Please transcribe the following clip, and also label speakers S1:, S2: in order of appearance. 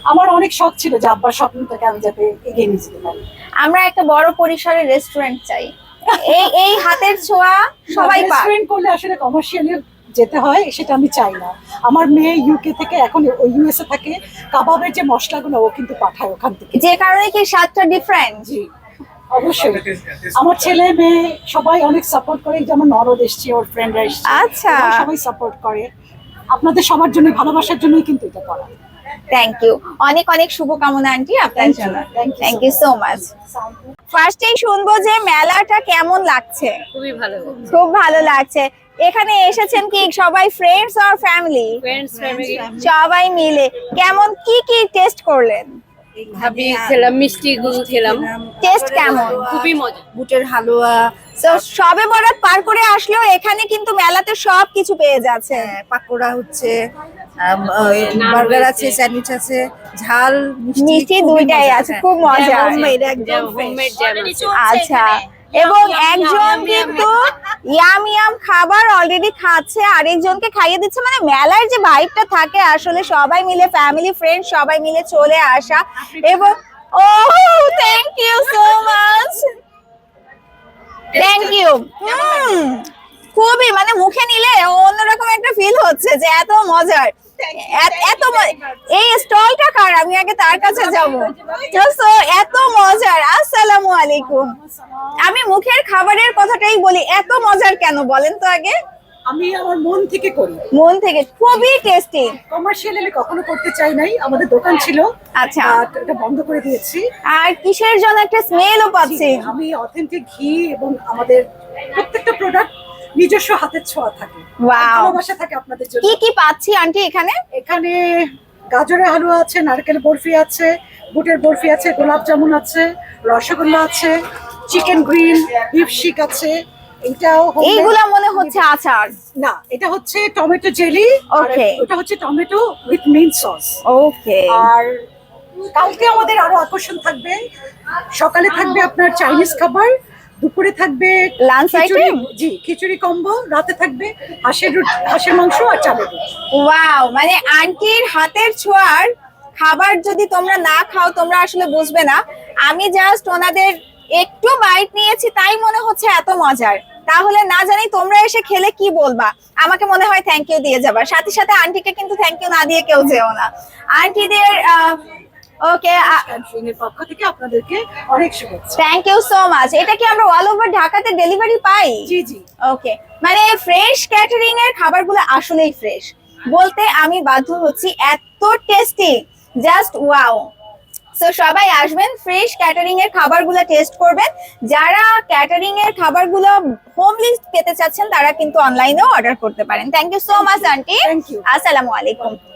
S1: আমার অনেক শখ ছিল যে আব্বার স্বপ্নটাকে আমি যাতে এগিয়ে নিয়ে যেতে পারি।
S2: আমরা একটা বড় পরিসরের রেস্টুরেন্ট চাই, এই এই হাতের ছোঁয়া সবাই পায়।
S1: রেস্টুরেন্ট করলে আসলে কমার্শিয়ালি যেতে হয়, সেটা আমি চাই না। আমার মেয়ে ইউকে থেকে, এখন ওই ইউএসএ থাকে, কাবাবের যে মশলাগুলো ও কিন্তু পাঠায় ওখান থেকে।
S2: যে কারণে কি স্বাদটা ডিফারেন্ট।
S1: জি অবশ্যই। আমার ছেলে মেয়ে সবাই অনেক সাপোর্ট করে, যেমন নরদ এসছে, ওর ফ্রেন্ডরা এসছে,
S2: আচ্ছা।
S1: ওরা সবাই সাপোর্ট করে। আপনাদের সবার জন্য, ভালোবাসার জন্যই কিন্তু এটা করা।
S2: থ্যাংক ইউ, অনেক অনেক শুভকামনা আন্টি আপনার জন্য। Thank you so much. ফার্স্টেই শুনবো যে মেলাটা কেমন লাগছে।
S3: খুবই ভালো,
S2: খুব ভালো লাগছে। এখানে এসেছেন কি সবাই ফ্রেন্ডস আর ফ্যামিলি?
S3: ফ্রেন্ডস ফ্যামিলি
S2: সবাই মিলে। কেমন কি কি টেস্ট করলেন?
S3: ভাবি খেলাম, মিষ্টি গুল খেলাম,
S2: টেস্ট কেমন?
S3: খুবই মজা।
S4: বুটের হালুয়া,
S2: তো সবে বরাত পার করে আসলেও এখানে কিন্তু মেলাতে সব কিছু পেয়ে যাচ্ছে।
S4: পাকোড়া হচ্ছে, বার্গার আছে, স্যান্ডউইচ আছে, ঝাল
S2: মিষ্টি দুইটাই আছে, খুব মজা।
S4: হোমমেড একদম
S3: হোমমেড জ্যাম আছে।
S2: আচ্ছা, এবং একজন কিন্তু ইয়াম ইয়াম খাবার অলরেডি খাচ্ছে, আরেকজনকে খাইয়ে দিচ্ছে। মানে মেলার যে ভাইবটা থাকে আসলে সবাই মিলে, ফ্যামিলি ফ্রেন্ড সবাই মিলে চলে আসা। এবং ও thank you so much, thank you. খুবই মানে মুখে নিলে অন্যরকম একটা ফিল হচ্ছে যে এত মজার, এই স্টলটা কার, আমি আগে তার কাছে যাবো। এত মজার। আসসালামু আলাইকুম। আমি মুখের খাবারের কথাটাই বলি, এত মজার কেন বলেন তো আগে?
S1: আমি আমার মন থেকে করি,
S2: মন থেকে। খুবই টেস্টি।
S1: কমার্শিয়ালি আমি কখনো করতে চাই নাই। আমাদের দোকান ছিল,
S2: আচ্ছা,
S1: এটা বন্ধ করে দিয়েছি।
S2: আর কিসের জন্য একটা স্মেলও পাচ্ছি।
S1: আমি অথেন্টিক ঘি এবং আমাদের প্রত্যেকটা প্রোডাক্ট নিজস্ব হাতের ছোঁয়া থাকে,
S2: ওয়াও,
S1: ভালোবাসা থাকে আপনাদের জন্য।
S2: কি কি পাচ্ছি আন্টি এখানে?
S1: এখানে গাজরের হালুয়া আছে, নারকেল বরফি আছে, বুটের বরফি আছে, গোলাপ জামুন আছে, রসগোল্লা আছে, চিকেন গ্রিল, বিফ শিক আছে। এটাও
S2: এইগুলা মনে হচ্ছে আচার।
S1: না, এটা হচ্ছে টমেটো জেলি।
S2: Okay.
S1: ওটা হচ্ছে tomato with mint sauce.
S2: Okay.
S1: আর কালকে আমাদের আরো আকর্ষণ থাকবে। সকালে থাকবে আপনার চাইনিজ খাবার, দুপুরে থাকবে
S2: লাঞ্চ
S1: খিচুড়ি,
S2: আইটেম।
S1: জি খিচুড়ি কম্বো, রাতে থাকবে হাঁসের মাংস আর চালের রুটি।
S2: ওয়াও, মানে আন্টির হাতের ছোঁয়ার খাবার যদি তোমরা না খাও তোমরা আসলে বুঝবে না। আমি জাস্ট ওনাদের একটু বাইট নিয়েছি, তাই মনে হচ্ছে এত মজার। তাহলে না জানি তোমরা এসে খেলে কি বলবা। আমাকে মনে হয় থ্যাংক ইউ দিয়ে যাবা, সাথে সাথে আন্টিকে কিন্তু থ্যাংক ইউ না দিয়ে কেউ যেও না। আন্টিদের ওকে,
S1: এর পক্ষ থেকে আপনাদেরকে অনেক শুভেচ্ছা।
S2: Thank you so much. এটা কি আমরা অল ওভার ঢাকাতে ডেলিভারি পাই?
S1: জি জি।
S2: ওকে, মানে ফ্রেশ ক্যাটারিং এর খাবারগুলো আসলেই ফ্রেশ বলতে আমি বাধ্য হচ্ছি, এত টেস্টি, জাস্ট ওয়াও। সো সবাই আসবেন, ফ্রেশ ক্যাটারিং এর খাবারগুলো টেস্ট করবেন। যারা ক্যাটারিং এর খাবারগুলো হোমলি পেতে চাচ্ছেন তারা কিন্তু অনলাইনেও অর্ডার করতে পারেন। Thank you so much aunty.
S1: Thank you.
S2: আসসালামু আলাইকুম।